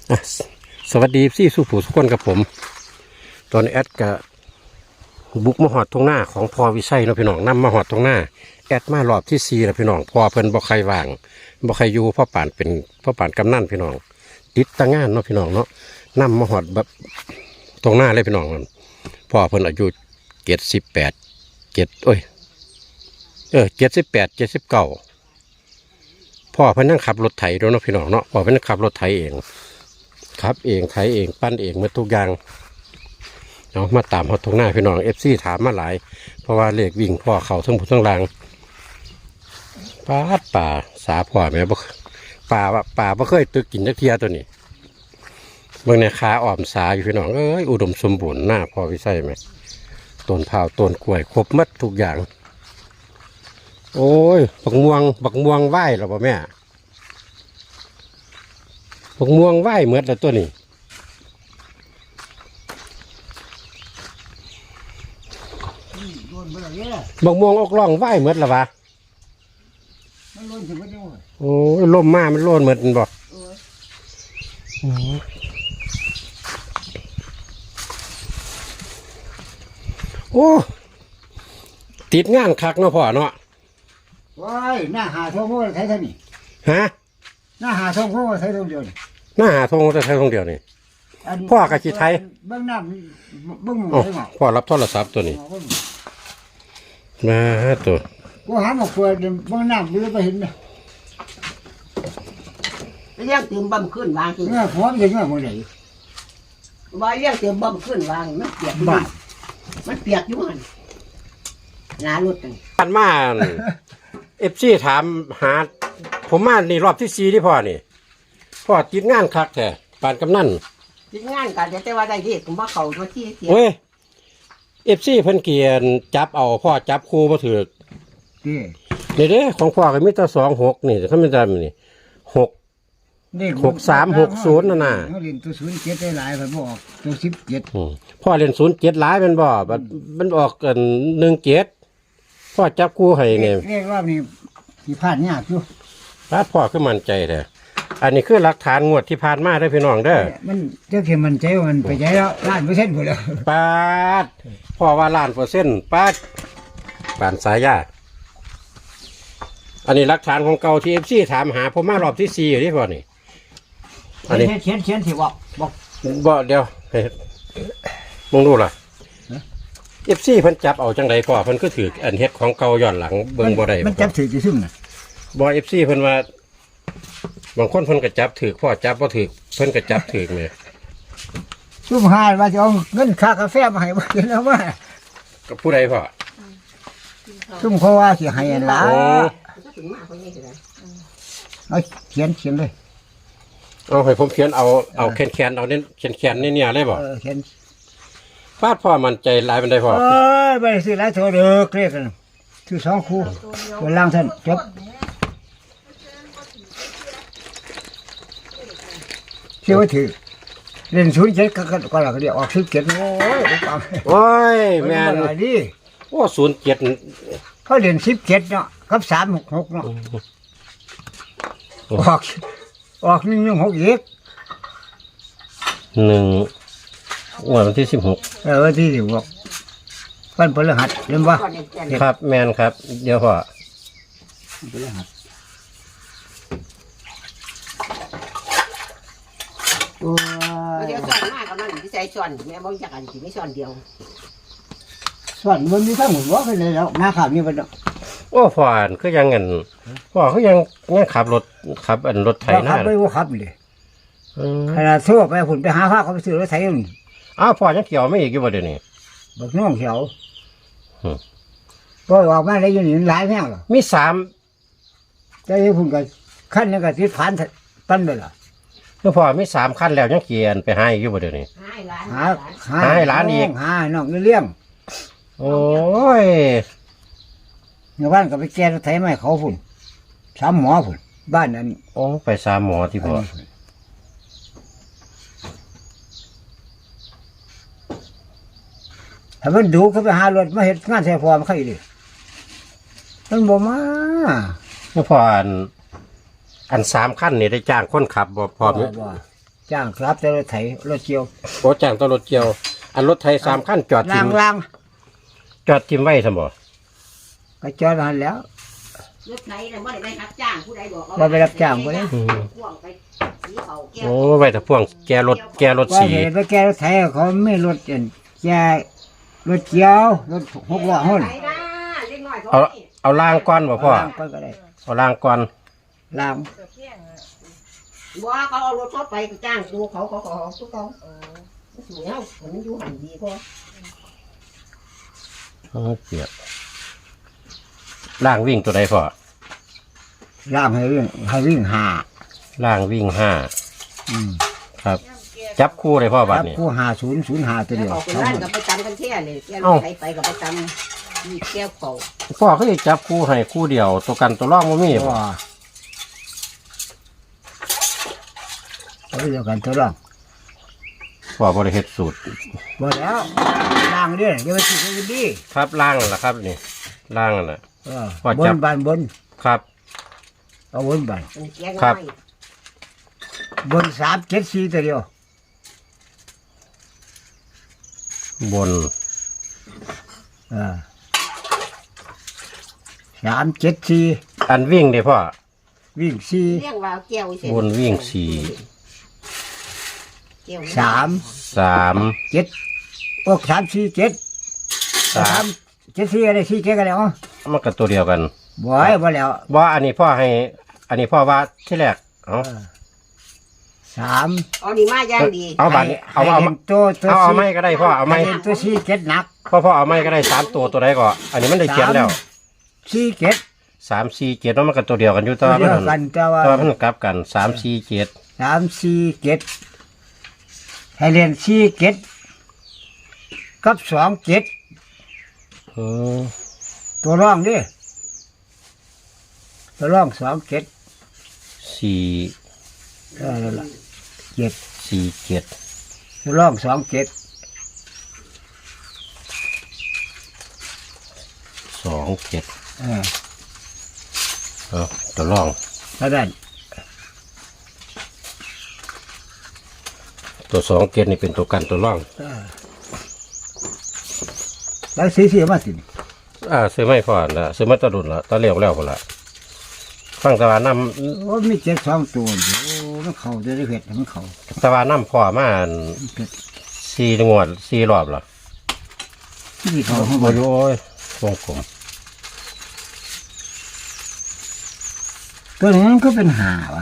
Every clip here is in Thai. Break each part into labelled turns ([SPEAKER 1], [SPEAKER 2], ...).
[SPEAKER 1] อ่ะสวัสดีพี่สุผู้สุคนกับผมตอนแอดกับบุกมาหอดตรงหน้าของพอวิชัยเนาะพี่น้องนำมาหอดตรงหน้าแอดมารอบที่4แล้วพี่น้องพอเพิ่นบ่ใครว่างบ่ใครอยู่พ่อป่านเป็นพ่อป่านกำนันพี่น้องติดตั้งงานเนาะพี่น้องเนาะนำมาหอดแบบตรงหน้าเลยพี่น้องพ่อเพิ่นอายุ78พ่อเพิ่นนั่งขับรถไถด้วยเนาะพี่น้องเนาะพ่อเพิ่นนั่งขับรถไถเองครับเองไถเองปั้นเองหมดทุกอย่างเนาะมาตามเขาตรงหน้าพี่น้องFCถามมาหลายเพราะว่าเลขวิ่งพ่อเขาทั้งหมดทั้งรางป่าสาพ่อแม่บ่ป่าบ่เคยตึกกินจักเทียตัวนี้เบิ่งในขาอ้อมสาอยู่พี่น้องเอ้ยอุดมสมบูรณ์หน้าพ่อวิชัยไหมต้นพร้าวต้นกล้วยครบหมดทุกอย่างโอ้ยบักม่วงไหวหรอป่ะแม่บักม่วงไหวเหมือนแล้วตัวนี้บักม่วงออกร่องไหวเหมือนหรอวะโอ้ยลมมามันโลนเหมือนบอกโอ้ติดงานคักเนาะพ่อเนาะ
[SPEAKER 2] ว้ายหน้าหาทงพวกใช้เท่านี้
[SPEAKER 1] ฮะ
[SPEAKER 2] หน้าหาทงพวกใช้ทงเดียวนี่
[SPEAKER 1] หน้าหาทงจะใช้ทงเดียวนี่พ่อกะจิไทย
[SPEAKER 2] เบื้องหน้าเบื้องหมูใช่ไหม
[SPEAKER 1] พ่อรับโทรศัพท์ตัวนี้มาตัว
[SPEAKER 2] กูหาหมกเฟืองเบื้องหน้าไม่รู้ไปเห็นไหม
[SPEAKER 3] เลี้ยงเติมบ่มขึ้นวางคือ
[SPEAKER 2] พร้อมยังไงมึงไหน
[SPEAKER 3] ว่าเลี้ยงเติมบ่มขึ้นวางมันเปียกบ้านมันเปียกอยู่หันหน้ารถ
[SPEAKER 1] กันมาFCถามหาผมมานี่รอบที่4ที่พ่อนี่พ่อติดงานคักแท้ปานกำนัน
[SPEAKER 3] ติดงานกันแต่ว่าได้เด็กผมว่าเขาตัวที่เสีย
[SPEAKER 1] โอ้ยFCเพิ่นเกียนจับเอาพ่อจับครูบ่ถูกนี่เด้ของพ่อก็มีแต่26นี่ถ้ามันจำนี่6360นั่นน่ะ
[SPEAKER 2] เขาเรียนตัว07ได้หลายมันบอกตัว17
[SPEAKER 1] พ่อเรียน07หลายมันบ่มันออกกัน17พ่อจับครูให้เนี่ย
[SPEAKER 2] เรียกรอบนี้ที่ผ่านยากอยู่
[SPEAKER 1] พ่อคือมั่นใจแท้อันนี้คือหลักฐานงวดที่ผ่านมาเด้อพี่น้องเด้อ
[SPEAKER 2] มันเจ้าเข็มมันใจมันไปใจแล้ว1,000%หมดแล้ว
[SPEAKER 1] ปาดพ่อว่า1,000,000%ปาดปานสายยาอันนี้หลักฐานของเก่าที่ FC ถามหาผมมารอบที่4อยู่ที่พ่อนี่
[SPEAKER 2] อันนี้เขียนสิบอก
[SPEAKER 1] เดี๋ยวมึงดูล่ะFC เพิ่นจับเอาจังได๋พ่อเพิ่นก็ถืออันเฮ็ดของเก่าย้อนหลังเบิ่งบ่ได้
[SPEAKER 2] มันจับถือซื่อน่ะ
[SPEAKER 1] บ่ FC เพิ่นว่าบางคนเพิ่นก็จับถือพ่อจับบ่ถือเพิ่นก็จับถือแม่
[SPEAKER 2] ซุ่มหาว่าจะเอาเงินค่ากาแฟมาให้บ่เห็นแล้วว่า
[SPEAKER 1] กับผู้ใดพ่อ
[SPEAKER 2] ซุ่มเขาว่าสิให้ล่ะเอาเขียนเลย
[SPEAKER 1] เอาให้ผมเขียนเอาแคนเอาเน้นแคนนี่เนี่ยได้บ่
[SPEAKER 2] เขียน
[SPEAKER 1] ฟาดพ่อมันใจหลายเป็นได้พ่อ
[SPEAKER 2] ไปซื้อหลายโถเด้อเรียกกันซื้อ2คู่ตัวล่างท่านจบเชื่อว่าถือเล่น07ก็แล้วก็เดี๋ยวออก17โอ้ย
[SPEAKER 1] แม่น
[SPEAKER 2] ดิ
[SPEAKER 1] โอ้07
[SPEAKER 2] เขาเล่น17เนาะกับ366เนาะออก116อีก
[SPEAKER 1] วันที่16
[SPEAKER 2] วันที่16วันพฤหัสเห็นบ่
[SPEAKER 1] ครับแม่นครับเดี๋ยวพ่อ
[SPEAKER 2] พฤหัส
[SPEAKER 3] เดี๋ยวสอนมากกับนั่นที่ใช้สอนแม่บอกอยากอันที่ไม่สอนเดียว
[SPEAKER 2] สอนมันมีทั้งหมดว่าไปเลยแล้วมาขับนี่ไปแล้ว
[SPEAKER 1] โอ้พ่อคือยังเงินพ่อเขายังขับรถรถไถหน้า
[SPEAKER 2] ขับไปว่าขับเลยขนาดทั่วไปผมไปหาผ้าเขาไปซื้อรถไถนี่
[SPEAKER 1] อ้าวพ่อยังเกี่ยวไม่อีกอยู่บ่เดี๋ยวนี้
[SPEAKER 2] บักน้องเขียวก็ออกมาได้ยินหลายแม่งหรอ
[SPEAKER 1] มี3
[SPEAKER 2] ใจผมก็ขั้นนึงก็ติดผ่านปั้นไปล่ะ
[SPEAKER 1] แล้วพ่อมี3คันแล้วยังเกียนไปให้อยู่บ่เดี๋ยวนี้
[SPEAKER 2] ให้หลานอีกให้น้องเลี้ยง
[SPEAKER 1] โอ้ย
[SPEAKER 2] ในบ้านก็ไปแก้รถไถไม่เขาฝุ่น3หมอฝุ่นบ้านนั้น
[SPEAKER 1] โอ้ไป3หมอที่พ่อ
[SPEAKER 2] ถ้ามันดูเขาไปหารถมาเห็นงานใส่ฟอร์มเขาอีกดิมันบ่มา
[SPEAKER 1] แล้วพออัน3คันนี่ได้จ้างคนขับบ่พอมั้ย
[SPEAKER 2] จ้างครับแต่รถไถรถเกี่ยว
[SPEAKER 1] โอ้จ้างตัวรถเกี่ยว อันรถไทย3คันจอดทิ
[SPEAKER 2] ล่าม งล่าง
[SPEAKER 1] จอดทิมไว้ซั่นบ่
[SPEAKER 2] ก็จอดนานแล้ว
[SPEAKER 3] รถไหนน่ะบ่ได้ไปรับจ้างผู้ใดบอก
[SPEAKER 2] บ่ไปรับจ้างบ่ได้
[SPEAKER 3] พ่วงไปสีเขาแก้ว
[SPEAKER 1] โอ้ไว้แต่พ่วงแกรถ
[SPEAKER 2] ว่า
[SPEAKER 1] สี
[SPEAKER 2] เห็นไปแก้รถไถเขาไม่รถแก้รถเกี่ยวรถ6ล้อหุ่น
[SPEAKER 3] ไหนนะเล็กน้อย
[SPEAKER 1] เอาล่างก่อนบ่พ่อ
[SPEAKER 2] ล่างก็ได้
[SPEAKER 1] เอาล่างก่อน
[SPEAKER 2] ล่าง
[SPEAKER 3] บ่เขาเอารถเขาไปจ้างดูเขาเขาทุกเขาสวยเอามันอยู่หันดีพอ
[SPEAKER 1] เปียกล่างวิ่งตัวใดพ่อ
[SPEAKER 2] ล่างให้วิ่งหา
[SPEAKER 1] ล่างวิ่ง5
[SPEAKER 2] อืม
[SPEAKER 1] ครับ จับคู่เลยพ่อบัด
[SPEAKER 2] ครับ
[SPEAKER 1] นี้
[SPEAKER 2] คู่5005ตัวเดียว
[SPEAKER 3] เขาเป็นร้านกับไปจำกันแค่เลยแก้วใครไปกับไปจำมีแก้วเขา
[SPEAKER 1] พ่อเขาจะจับคู่ให้คู่เดียว ตัวกันตัวร่องบ่มีบ่
[SPEAKER 2] ว่าเอาไปเดียวกันตัวรอง
[SPEAKER 1] พ่อบริเฮ็ดสูตร
[SPEAKER 2] บ่แล้วล่างเด้ออย่าไปสิให้ดี
[SPEAKER 1] ครับล่างนั่นล่ะครับนี่ล่างนั่นน่ะ ว่า
[SPEAKER 2] บ
[SPEAKER 1] จั
[SPEAKER 2] น
[SPEAKER 1] บ
[SPEAKER 2] บานบน
[SPEAKER 1] ครับ
[SPEAKER 2] เอาบนบาน
[SPEAKER 3] เป็นแก้ว
[SPEAKER 1] ครับ
[SPEAKER 3] น้อย
[SPEAKER 2] บน374ตัวเดียว
[SPEAKER 1] บน
[SPEAKER 2] 374
[SPEAKER 1] อันวิ่งเด้พ่อ
[SPEAKER 2] วิ่ง
[SPEAKER 3] เรียกว่าแก้วเสร็จ
[SPEAKER 1] บนวิ่ง
[SPEAKER 3] แก้ว
[SPEAKER 2] 4 3
[SPEAKER 1] 3
[SPEAKER 2] 7 347 374อะไร4เก็กันแล้ว
[SPEAKER 1] มันก็ตัวเดียวกัน
[SPEAKER 2] บ่แล้ว
[SPEAKER 1] ว่าอันนี้พ่อให้ อันนี้พ่อว่าที่แรกเอา
[SPEAKER 2] 3
[SPEAKER 3] เอาดีมาย่างดี
[SPEAKER 1] เอาบัดนี้เอา
[SPEAKER 2] ให้ตัว
[SPEAKER 1] เอาไม้ก็ได้พ่อเอาไม้
[SPEAKER 2] ให้ตัว4 7หนัก
[SPEAKER 1] พ่อเอาไม้ก็ได้3ตัวใดก็อันนี้มันได้เขียนแล้ว
[SPEAKER 2] 4 7
[SPEAKER 1] 3 4 7แล้วมันก็ตัวเดียวกันอยู่แต่
[SPEAKER 2] ตัว
[SPEAKER 1] ว่า
[SPEAKER 2] เดียว
[SPEAKER 1] มัน
[SPEAKER 2] กันแต่ว่า
[SPEAKER 1] มันกลับกัน3 4 7
[SPEAKER 2] 347ให้เรียน47กับ27
[SPEAKER 1] อืม
[SPEAKER 2] ตัวร่องดิตัวร่อง27
[SPEAKER 1] 4
[SPEAKER 2] นั่นล่ะ7
[SPEAKER 1] 4 7
[SPEAKER 2] ตัวร่อง27
[SPEAKER 1] 2 7เอาตัวร่อง
[SPEAKER 2] เท่านั้น
[SPEAKER 1] ตัว2 7นี่เป็นตัวกันตัวร่อง
[SPEAKER 2] แล้วสีมาสิ
[SPEAKER 1] ซื้อไม่พอนะซื้อมาตะดุนละตะเลี้ยวแล้วพอละฟังตะวันน้
[SPEAKER 2] โอ้มี7 2ตัวอยู่โอ้มันเข้าได้เผ็ดมันเข้า
[SPEAKER 1] ำตะวันน้ำพอมา4 งวด 4 รอบละ
[SPEAKER 2] ที่เข้าข้างบ
[SPEAKER 1] โอ้
[SPEAKER 2] น
[SPEAKER 1] ยโอ้ยวงกลม
[SPEAKER 2] ตัวนี้มันก็เป็นหาวะ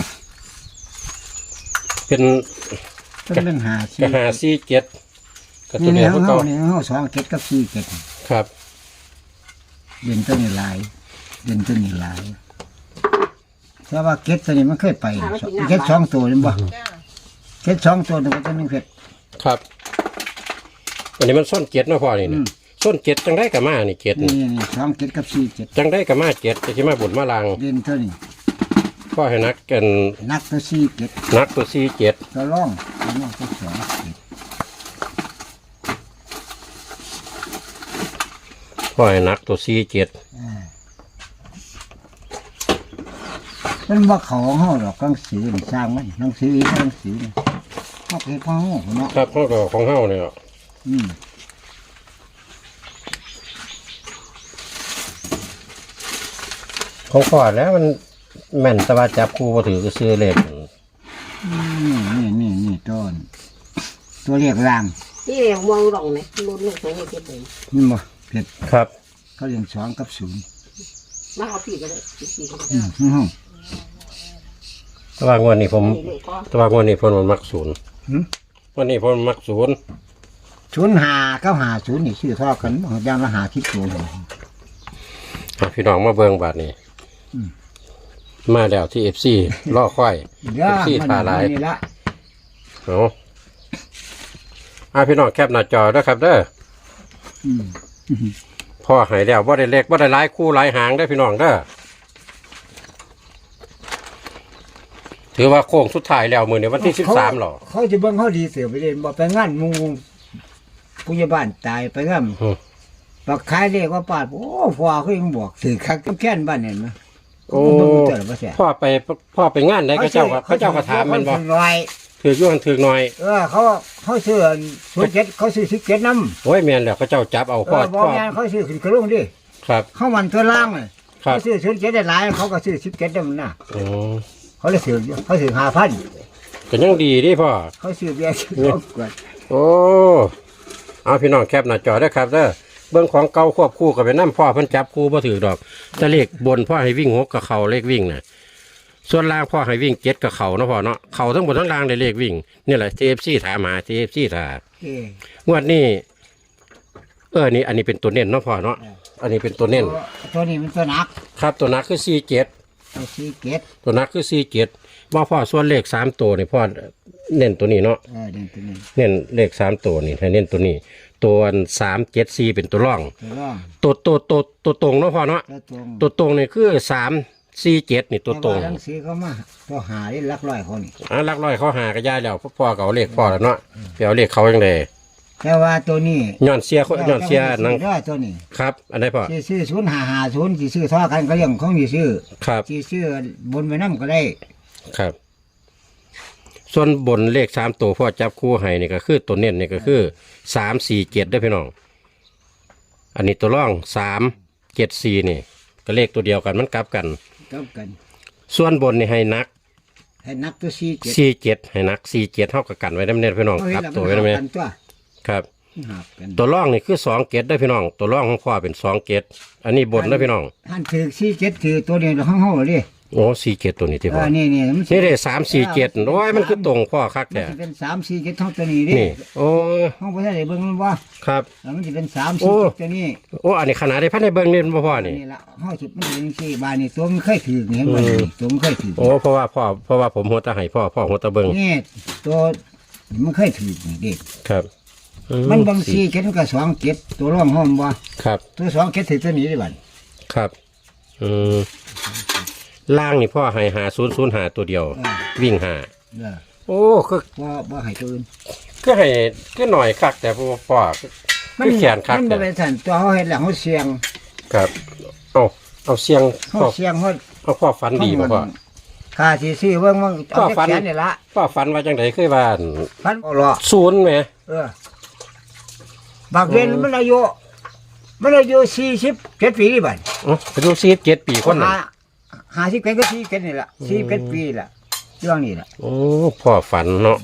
[SPEAKER 1] เป็น
[SPEAKER 2] ตัวเป็นหา
[SPEAKER 1] กระหา4 7กระตั
[SPEAKER 2] นี่
[SPEAKER 1] ว
[SPEAKER 2] นี่
[SPEAKER 1] เดียว
[SPEAKER 2] เขา
[SPEAKER 1] ก็
[SPEAKER 2] นี่เขา2 7กับ4 7
[SPEAKER 1] ครับ
[SPEAKER 2] เด่นตัวนี้ลายเด่นตัวนี้ลายแต่ว่าเก็ดตัวนี้มันเคยไปเก็ด2ตัวนี่บ่เก็ด2ตัวตัวนึงเผ็ด
[SPEAKER 1] ครับอันนี้มันส้นเจ็ดเนาะพ่อนี่นะส้นเจ็ดจังได้กับมานี่เจ็ด
[SPEAKER 2] นี่
[SPEAKER 1] นี่
[SPEAKER 2] นี่2 7กับ4 7
[SPEAKER 1] จังได้กับมาเจ็ดจะที่มาบุญมาลาง
[SPEAKER 2] เด่นตัวนี้
[SPEAKER 1] พ่อให้นักกัน
[SPEAKER 2] นักตัว4 7
[SPEAKER 1] นักตัว4 7
[SPEAKER 2] ตัวร่องตัว2
[SPEAKER 1] พ่อให้นักตัว4 7
[SPEAKER 2] มันบ่เขาของเฮาดอกหนังสือนี่สร้างมันหนังสือนี่เฮาเฮ็ดของเฮาเนาะ
[SPEAKER 1] ครับพ่อก็ของเฮาเนี่ย
[SPEAKER 2] อืม
[SPEAKER 1] ของพ่อแล้วมันแม่นแต่ว่าจับคู่บ่ถือก็ซื้อเลข
[SPEAKER 2] นี่ตัวเรียกราง
[SPEAKER 3] ที่เรียกมองหลงเนี่ยรุ่นลูกของเก็บเลย
[SPEAKER 2] นี่บ่เผ็ด
[SPEAKER 1] ครับ
[SPEAKER 2] เขาเรียน2กับ0
[SPEAKER 3] มาเอาพี่ก็ได้พี่ก็ได้
[SPEAKER 2] เฮา
[SPEAKER 1] แต่ว่างวดนี้ผม
[SPEAKER 3] นี่เลยก็
[SPEAKER 1] แต่ว่างวดนี้ผมมันมักศูนย์
[SPEAKER 2] หืม
[SPEAKER 1] วันนี้ผมมักศูนย์
[SPEAKER 2] 05กับ50นี่ชื่อทอกันอย่างละ50ตัวเลย
[SPEAKER 1] พี่น้องมาเบิ่งบาดนี้ มาแล้วที่ FC ล่อค่อย FC ท่าหลาย
[SPEAKER 2] นี่ละ
[SPEAKER 1] เอาพี่น้องแคปหน้าจอด้วยครับเด้อ
[SPEAKER 2] อืม
[SPEAKER 1] พ่อใหายแล้วบ่ได้เล็กบ่ได้หลายคู่หลายหางได้อพี่น้องเด้อถือว่าโค้งสุดท้ายแล้วมื้อนี้วันที่13หรอ
[SPEAKER 2] เขาจะเบิ่งเขาดีเสือไปเล่นบ่ไปงานหมู่ผู้ใหญ่บ้านตายไปงานปักขายเลขว่าปาดโอ้พ่อเขายังบอกถือคักกับแค้นบ้านเห็นมั้ย
[SPEAKER 1] โอ้
[SPEAKER 2] เบิ่งเจอบ่แซ่
[SPEAKER 1] พ่อไปงานได้ก็เจ้าก็ถามแม่นบ่
[SPEAKER 2] ร้อย
[SPEAKER 1] ถือกอยู่หันถือกหน่อย
[SPEAKER 2] เขาซื้อ07เขาซื้อ17นำ
[SPEAKER 1] โอ้ยแม่นแล้วเขาเจ้าจับเอาพ่อ
[SPEAKER 2] บ่
[SPEAKER 1] พ่อ
[SPEAKER 2] แม่นเขาซื้อขึ้นกระลงดิ
[SPEAKER 1] ครับ
[SPEAKER 2] เขามันตัวล่างเลย
[SPEAKER 1] ครับ
[SPEAKER 2] เขาซื้อ07ได้หลายเขาก็ซื้อ17นำน่ะ
[SPEAKER 1] อ๋อ
[SPEAKER 2] เขาเลยซื้อ5,000
[SPEAKER 1] ก็ยังดีดิพ่อ
[SPEAKER 2] เขาซื้อเบียร์ซื้อก่อน
[SPEAKER 1] โอ้เอาพี่น้องแคปหน้าจอได้อครับเด้อเบื้องของเก่าควบคู่กับไปน้ำพ่อเพิ่นจับคู่บ่ถือดอกแต่เลขบนพ่อให้วิ่ง6กับเขาเลขวิ่งน่ะส่วนล่างพ่อให้วิ่ง7กับเขาเนาะพ่อเนาะเขาทั้งบนทั้งล่างได้เลขวิ่งนี่แหละ TFC ถามหา TFC ถาม
[SPEAKER 2] เอ้ย
[SPEAKER 1] งวดนี้นี่อันนี้เป็นตัวเน้นเนาะพ่อเนาะอันนี้เป็นตัวเน้น
[SPEAKER 2] ตัวนี้มันตัวหนัก
[SPEAKER 1] ครับตัวนักคือ47
[SPEAKER 2] ตัว47
[SPEAKER 1] ตัวนักคือ47ว่าพ่อส่วนเลข3ตัวนี่พ่อเน้นตัวนี้เนาะ
[SPEAKER 2] นี่ตัวนี้
[SPEAKER 1] เน้นเลข3ตัวนี่ให้เน้นตัวนี้ ตัว374เป็นตัวร่อง
[SPEAKER 2] ตัวร่อง
[SPEAKER 1] ตัวตรงเนาะพ่อเนาะ
[SPEAKER 2] ตัวตรง
[SPEAKER 1] ตัวตรงนี่คือ347นี่ตัวตรง
[SPEAKER 2] แหนังสือเขามาตัวหาได้หลักร้อยคนนี่
[SPEAKER 1] หลักร้อยเขาหากระยายแล้วพ่อก็เอาเลขพ่อแล้วเนาะไปเอาเลขเขาจังได๋
[SPEAKER 2] แต่ว่าตัวนี้
[SPEAKER 1] ย้อนเสียนัง
[SPEAKER 2] ได้ตัวนี้
[SPEAKER 1] ครับอันไหนพ่อ
[SPEAKER 2] สิซื้อ0550สิซื้อท่อกันก็เรื่องของนี่ซื้อ
[SPEAKER 1] ครับ
[SPEAKER 2] สิซื้อบนไปนำก็ได้
[SPEAKER 1] ครับ ส่วนบนเลข3ตัวพ่อจับคู่ให้นี่ก็คือตัวเน้นนี่ก็คือ347ได้อพี่น้องอันนี้ตัวร่อง374นี่ก็เลขตัวเดียวกันมันกลับกัน
[SPEAKER 2] กับกัน
[SPEAKER 1] ส่วนบนนี่ให้นัก
[SPEAKER 2] ให้นักตัว47
[SPEAKER 1] 47ให้นัก47เท่ากับกันไว้น้ำเน้นพี่น้องครับตัวไว้น้ำเน้น
[SPEAKER 2] กันตัว
[SPEAKER 1] ครับ
[SPEAKER 2] หับกัน
[SPEAKER 1] ตัวร่องนี่คือ2เกตได้อพี่น้องตัวร่องของพ่อเป็น2เกตอันนี้บนได้อพี่น้อง
[SPEAKER 2] ท่านถือ47ถือตัวเดียวของเฮาดิ
[SPEAKER 1] โอ้4เกตตัวนี้ที่พ่อ
[SPEAKER 2] นี่มันสิ
[SPEAKER 1] นี่ได้347โอ้ยมันคือตรงพ่อคัก
[SPEAKER 2] มัน
[SPEAKER 1] แท้
[SPEAKER 2] สิเป็น347เท่าตัวนี้ดิ
[SPEAKER 1] นี่โอ้
[SPEAKER 2] เฮาบ่ได้เบิ่งมันว่า
[SPEAKER 1] ครับ
[SPEAKER 2] แล้วมันสิเป็น
[SPEAKER 1] โอ้
[SPEAKER 2] 347ตัวนี้
[SPEAKER 1] โอ้อันนี้ขนาดได้พันในเบิ้งนี่บ่พ่อนี่
[SPEAKER 2] นี่ละเฮาสิมันเป็นสี่บาทนี่ตัวมันเคยถือนี่เห็นบ่นี่ตัวมันเคยถือ
[SPEAKER 1] โอ้เพราะว่าผมหัวตาให้พ่อหัวตาเบิ้ง
[SPEAKER 2] นี่ตัวมันเคยถือนี่เด็ก
[SPEAKER 1] ครับ
[SPEAKER 2] มันบางสี่เก็ดมันก็2 7ตัวร่องห้อมบ่
[SPEAKER 1] ครับ
[SPEAKER 2] ตัว2 7ถือตัวนี้ได้บัด
[SPEAKER 1] ครับล่างนี่พ่อให้5005ตัวเดียว วิ่งหา
[SPEAKER 2] เด้อ
[SPEAKER 1] โอ้คือ
[SPEAKER 2] บ่ให้ตัวอื่น
[SPEAKER 1] คือให้คือหน่อยคักแต่พ่อคือแขนคัก
[SPEAKER 2] มัน
[SPEAKER 1] แต่
[SPEAKER 2] บ่เป็นสั่นตัวเฮาเฮ็ดแล้วเฮาเสียง
[SPEAKER 1] ครับเอาเสียง
[SPEAKER 2] เฮา
[SPEAKER 1] พ่อ
[SPEAKER 2] เสียงเฮา
[SPEAKER 1] เอาพ่อฝันดีบ่พ่อ
[SPEAKER 2] ค่าสิซื้อเบิ่งมันเอา
[SPEAKER 1] พ่อฝั
[SPEAKER 2] แต่
[SPEAKER 1] น
[SPEAKER 2] แขนนี่ละ
[SPEAKER 1] พ่อฝันว่าจังไดเคยว่า
[SPEAKER 2] พันเอาล่ะ
[SPEAKER 1] ศูนย์แหม
[SPEAKER 2] บางเรียนมันอายุ47ปีนี่บัด
[SPEAKER 1] อายุ47ปีคนน่ะ
[SPEAKER 2] 50ก็47นี่ล่ะ47ปีล่ะเรื่องนี้ล่ะ
[SPEAKER 1] โอ้พ่อฝันเนาะ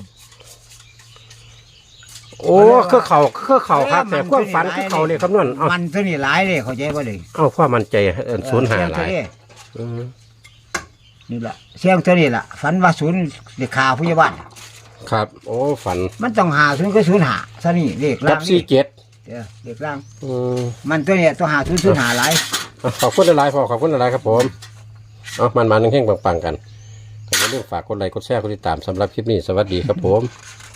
[SPEAKER 1] โอ้คือเขาครับแต่ความฝันคือเขาเลยคำนวณเอา
[SPEAKER 2] มันตัวนี้หลายเลยเข้าใจบ่เลย
[SPEAKER 1] เอาความมั่นใจศูนย์หาหลาย
[SPEAKER 2] นี่ล่ะเสียงตัวนี้ล่ะฝันว่าศูนย์เด็กขาผู้ใหญ่บ้าน
[SPEAKER 1] ครับ โอ้ฝัน
[SPEAKER 2] มันต้องหาศูนย์ก็ศูนย์หาซะนี่เลข
[SPEAKER 1] กั
[SPEAKER 2] ล่า
[SPEAKER 1] บ
[SPEAKER 2] ง
[SPEAKER 1] 47
[SPEAKER 2] เด้อเลขล่าง มันตัวเนี้ยต้องหาศูนย์ศูนย์หาหลาย
[SPEAKER 1] ขอบคุณหลายๆพ่อขอบคุณหลายๆครับผมเอามันๆเฮงๆปังๆกันอย่าลืมฝากกดไลค์กดแชร์กดติดตามสำหรับคลิปนี้สวัสดีครับผม